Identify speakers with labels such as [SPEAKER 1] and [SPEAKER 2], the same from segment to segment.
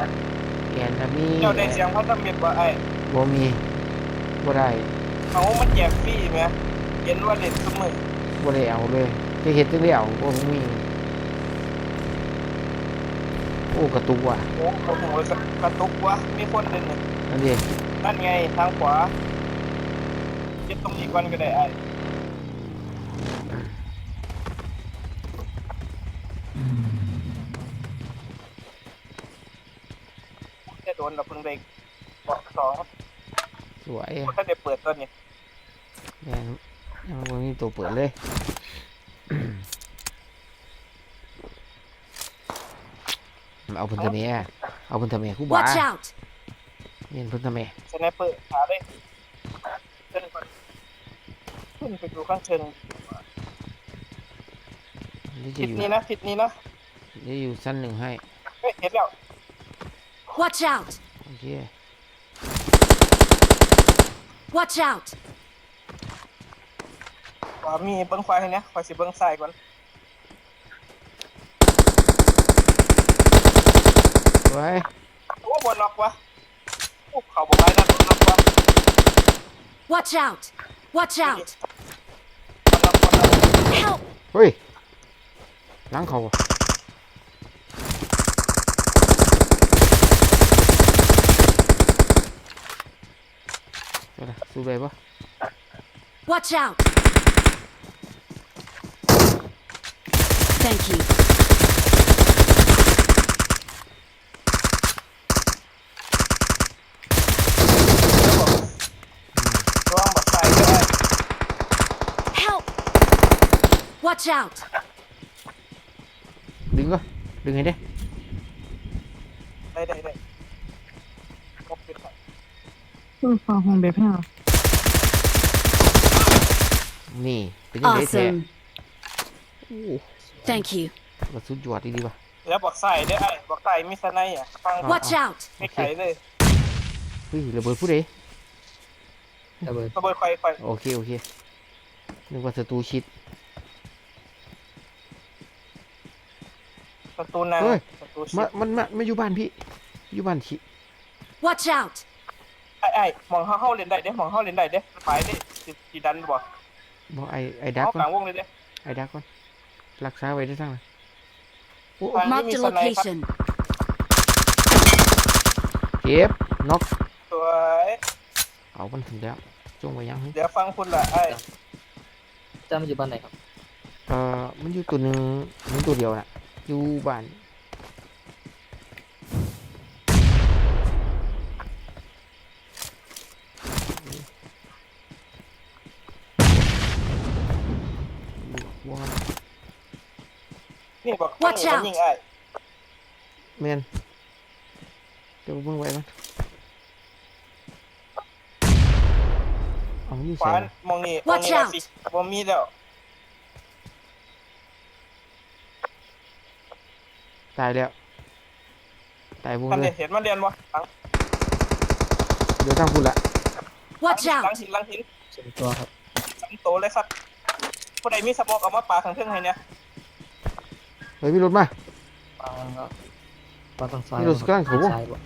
[SPEAKER 1] แอนนะมี
[SPEAKER 2] เจ้าได้เสียงพัดลมเม็ดว่าไอ้
[SPEAKER 1] บ่มีบ่ได้
[SPEAKER 2] เขามันแจกฟรีไหมเห็นว่าเด็ดเสมอ
[SPEAKER 1] บ่ได้เอาเลยจะเฮ็ดจังได๋เอาบ่มีโอ้กระตุกว่ะ
[SPEAKER 2] โอ้โหกระตุกวะมีคนเดินเนี่ย
[SPEAKER 1] อันนี้
[SPEAKER 2] นั่นไงทางขวาเจ็บตรงนี้ก่อนก็ได้ไอ้จะโดนเราเพิ่งได้บอกสอง
[SPEAKER 1] สวย
[SPEAKER 2] ถ้าได้เปิดตัวนี้
[SPEAKER 1] แม่นยังบ่มีตัวเปิดเลย เอาเพิ่นทำไมเอาเพิ่นทำไมคู่บ้า
[SPEAKER 3] Watch out!
[SPEAKER 1] เห็นเพิ่นทำไม
[SPEAKER 2] สไนเปอร์หาได้ขึ้นก่อนขึ้นไปดูข้างเชิง
[SPEAKER 1] นี่จะ
[SPEAKER 2] ทิศ
[SPEAKER 1] อยู่
[SPEAKER 2] นี้นะทิศนี้นะ
[SPEAKER 1] นี่อยู่ชั้น1ให้
[SPEAKER 2] เฮ้ยเห็นแล้ว
[SPEAKER 3] Watch out!
[SPEAKER 1] โอเค
[SPEAKER 3] Watch out!
[SPEAKER 2] ขวามีเบิ้งควายให้เนี่ยคอยสิเบิ้งซ้ายก่อน
[SPEAKER 1] ไว้
[SPEAKER 2] โอ้บนล็อกวะโอ้เขาบอกไว้นะบนล็อกวะ
[SPEAKER 3] Watch out! Watch out!
[SPEAKER 2] บนล็อก
[SPEAKER 3] Help!
[SPEAKER 1] เฮ้ยล้างเขาสู้ได้ปะ
[SPEAKER 3] Watch out! Thank you.
[SPEAKER 2] ระวังบัดซ้ายด้วย
[SPEAKER 3] Help! Watch out!
[SPEAKER 1] ดึงก็ดึงให้ได้
[SPEAKER 2] ได้ครบเป็นไง
[SPEAKER 4] ฟังห้องแบบให้เรา
[SPEAKER 1] นี่เป็นยังไงแท้
[SPEAKER 3] Awesome.
[SPEAKER 1] โอ้
[SPEAKER 3] Thank you.
[SPEAKER 1] กระสุนจวดดีๆป่ะ
[SPEAKER 2] แล้วบอกซ้ายด้วยไอ้บอกซ้ายมีสไนอ่ะฟัง
[SPEAKER 3] Watch out!
[SPEAKER 2] ไม่ไกลเลย
[SPEAKER 1] เฮ้ยระเบิดผู้ใด
[SPEAKER 2] ระเบิดไฟ
[SPEAKER 1] โอเคนึกว่าศัตรูชิด
[SPEAKER 2] ประตูนาง
[SPEAKER 1] เฮ้ย
[SPEAKER 2] ประตู
[SPEAKER 1] มาอยู่บ้านพี่อยู่บ้านชิ
[SPEAKER 3] Watch out!
[SPEAKER 2] ไอ้มองเข้าเล่นได้เด้มองเข้าเล่นได้เด้ไปเด้สิดันบ่
[SPEAKER 1] บอกไอ้ดัก
[SPEAKER 2] เข้า
[SPEAKER 1] ก่อก
[SPEAKER 2] ลาน งวงเลยเด้
[SPEAKER 1] ไอ้ดักก่อนรักษาไว้ได้ทั้งนั้นโอ้
[SPEAKER 3] Marked a location.
[SPEAKER 1] เก็บน็อก
[SPEAKER 2] สวย
[SPEAKER 1] เอามันถึงแล้วจงไว้ยัง
[SPEAKER 2] เดี๋ยวฟังคุณละไอ้
[SPEAKER 5] จ้ามันอยู่บ้านไหนครับ
[SPEAKER 1] มันอยู่ตัวหนึ่งมันตัวเดียวน่ะอยู่บ้านว้าว
[SPEAKER 2] นี่บอก
[SPEAKER 3] Watch
[SPEAKER 2] มัน
[SPEAKER 3] out
[SPEAKER 2] ยิงไอ้
[SPEAKER 1] แมนเดี๋ยวเบิ่งไว้มันเอาอยู่
[SPEAKER 2] ขวา
[SPEAKER 1] ใส่
[SPEAKER 2] มองนี่
[SPEAKER 3] Watch out
[SPEAKER 2] สิบ่มีแล้ว
[SPEAKER 1] ตายแล้วตายวง
[SPEAKER 2] ท่าน
[SPEAKER 1] เล
[SPEAKER 2] ได้
[SPEAKER 1] ย
[SPEAKER 2] เห็นมันเรียนบ่หลัง
[SPEAKER 1] เดี๋ยวทางคุณละ
[SPEAKER 3] Watch
[SPEAKER 2] หลัง
[SPEAKER 3] out!
[SPEAKER 2] หิน
[SPEAKER 5] ส่วนตัวครับ
[SPEAKER 2] สังโตเลยครับผู้ใดมีสโมกเอามาปาข้างเทิงให้เนี่ย
[SPEAKER 1] เฮ้ยมีรถมา
[SPEAKER 5] ปลาครับปลาทางซ้าย
[SPEAKER 1] นี่รถกลางเขาวง
[SPEAKER 5] ซ้ายบ่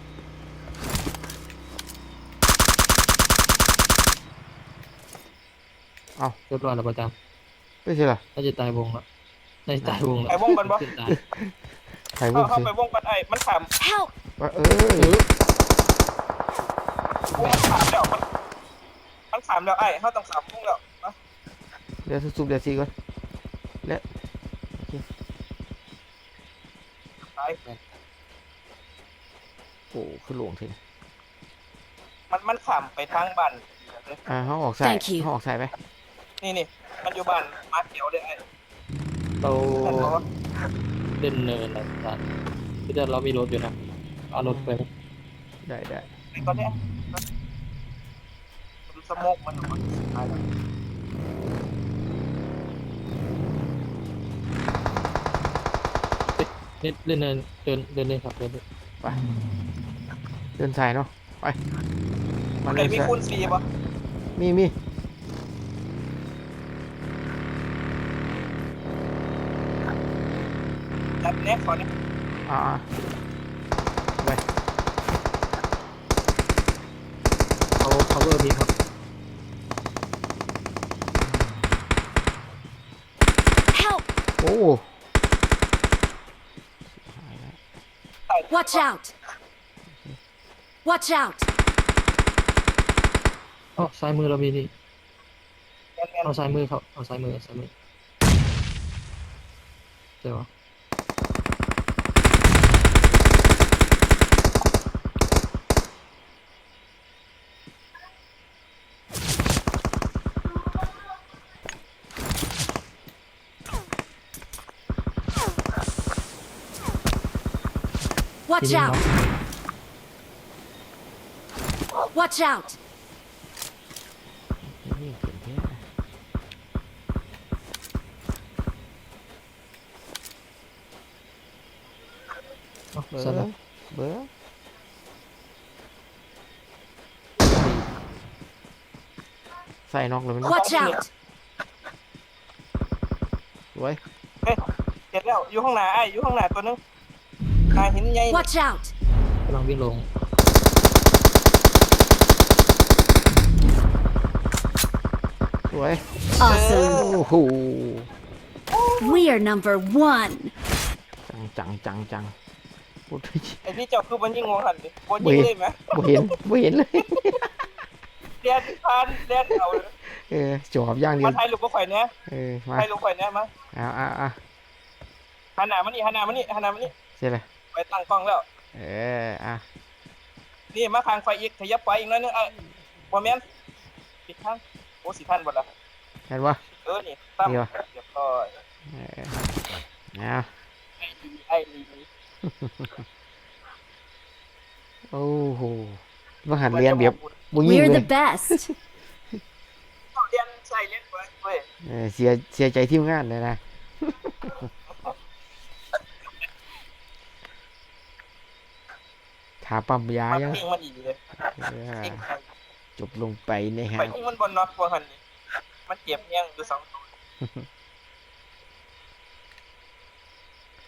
[SPEAKER 5] เรียบร้อยแล้วประจ
[SPEAKER 1] ไม่ใช่ล่ะ
[SPEAKER 5] ำน่าจะตายวงแล้วน่าจะตายวงแล้ว
[SPEAKER 2] ไอ้วงกันบ่
[SPEAKER 5] ขึ้นตาย
[SPEAKER 1] ถ่ายวง
[SPEAKER 2] เข้า
[SPEAKER 1] สิ
[SPEAKER 2] ไปวงกันไอ้มันถาม
[SPEAKER 3] Help!
[SPEAKER 1] ว่า
[SPEAKER 2] มันถามแล้วมันถามแล้วไอ้เขาต้องถามวงแล้ว
[SPEAKER 1] เดี๋ยวซุบเดี๋ยวซีก่อน
[SPEAKER 2] ตาย
[SPEAKER 1] โอ้คือหลวงที
[SPEAKER 2] มันถามไปทางบ้าน
[SPEAKER 1] เขาออกสาย
[SPEAKER 3] Thank you
[SPEAKER 1] เขาออกสายไป
[SPEAKER 2] นี่มันอยู่บ้านมาเขียวเลยไอ้
[SPEAKER 5] เรา
[SPEAKER 2] ท่านบอกว่า
[SPEAKER 5] เล่นเนินนะท่านพี่เดินเรามีรถอยู่นะเอารถไปไหม
[SPEAKER 1] ได้
[SPEAKER 2] ไอ้ก็เนี่ยมันสโมกมันหรอวะตายแล้ว
[SPEAKER 5] เล่นเนินเดินเล่นครับเดินเล่น
[SPEAKER 1] ไปเดินสายเนาะไปมา
[SPEAKER 2] ไอ้
[SPEAKER 1] เดิน
[SPEAKER 2] มี
[SPEAKER 1] สาย
[SPEAKER 2] คูณ4ป่ะ
[SPEAKER 1] มี
[SPEAKER 2] จับเน็กขอเนี่ย
[SPEAKER 1] อ่าไป
[SPEAKER 5] cover มีครับ
[SPEAKER 3] Help!
[SPEAKER 1] โอ้
[SPEAKER 3] Watch out! Watch out!
[SPEAKER 5] อ๋อซ้ายมือเรามีนี่
[SPEAKER 2] แอนแอน
[SPEAKER 5] เอาซ้ายมือครับเอาซ้ายมือเดี๋ยว
[SPEAKER 3] Watch
[SPEAKER 5] ที่นี่
[SPEAKER 3] out!
[SPEAKER 5] เนาะ
[SPEAKER 3] Watch out!
[SPEAKER 1] นี่เก่งแท้
[SPEAKER 5] เอา
[SPEAKER 1] เบอ
[SPEAKER 5] เสร็จแล้ว
[SPEAKER 1] ร์เบอร์ใส่นอกเลยมัน
[SPEAKER 3] Watch out!
[SPEAKER 1] สวย
[SPEAKER 2] เฮ้ยเจ็ดแล้วอยู่ข้างหน้าไอ้อยู่ข้างหน้าตัวนึงนายเห็นไง
[SPEAKER 3] Watch out!
[SPEAKER 5] กำลังวิ่งลง
[SPEAKER 1] สวย
[SPEAKER 3] Awesome!
[SPEAKER 1] โอ้โห
[SPEAKER 3] We are number one!
[SPEAKER 1] จังโอ้ย
[SPEAKER 2] ไอ้ที่เจ้าคือมันยิงงงหันดิบนยิงเลยไหม
[SPEAKER 1] บ่เห็นเลย
[SPEAKER 2] เรียนผ่านเรียนเอาเลย
[SPEAKER 1] จอบอย่างเดีย
[SPEAKER 2] มาว ถ่ายรูปกับข่อยเนี้ย
[SPEAKER 1] มา
[SPEAKER 2] ถ่ายรูปข่อยเนี้ยมา
[SPEAKER 1] เอา
[SPEAKER 2] หันหน้ามานี่หันหน้ามานี่หันหน้ามานี่
[SPEAKER 1] ใช่เลย
[SPEAKER 2] ไปตั้งกล้องแล้ว
[SPEAKER 1] อ่ะ
[SPEAKER 2] นี่มาทางไฟอีกขยับไฟอีกหนิดนึงไอ้บอมแมนปิดทางโอ้สิท่านบ่ละ
[SPEAKER 1] เห็นปะ
[SPEAKER 2] นี่ตั้ม
[SPEAKER 1] นี่วะ
[SPEAKER 2] เรียบร้อย
[SPEAKER 1] เอา
[SPEAKER 2] ไอ้ลี
[SPEAKER 1] โอ้โหมาหันเรียนแบบบุญยิ่ง
[SPEAKER 3] We're
[SPEAKER 1] เล
[SPEAKER 3] the
[SPEAKER 1] ย
[SPEAKER 3] best!
[SPEAKER 2] เรียนใส่เล่นเว้ย
[SPEAKER 1] เสียใจทีมงานเลยนะ ขาปั๊มยา
[SPEAKER 2] มัน
[SPEAKER 1] ยัง
[SPEAKER 2] พิงมันอีกเลยพิง
[SPEAKER 1] จบลงไปใน
[SPEAKER 2] ไป
[SPEAKER 1] ฮะ
[SPEAKER 2] พิงมันบนน็อตพวกหันนี่มันเจ็บยังอยู่สองตัว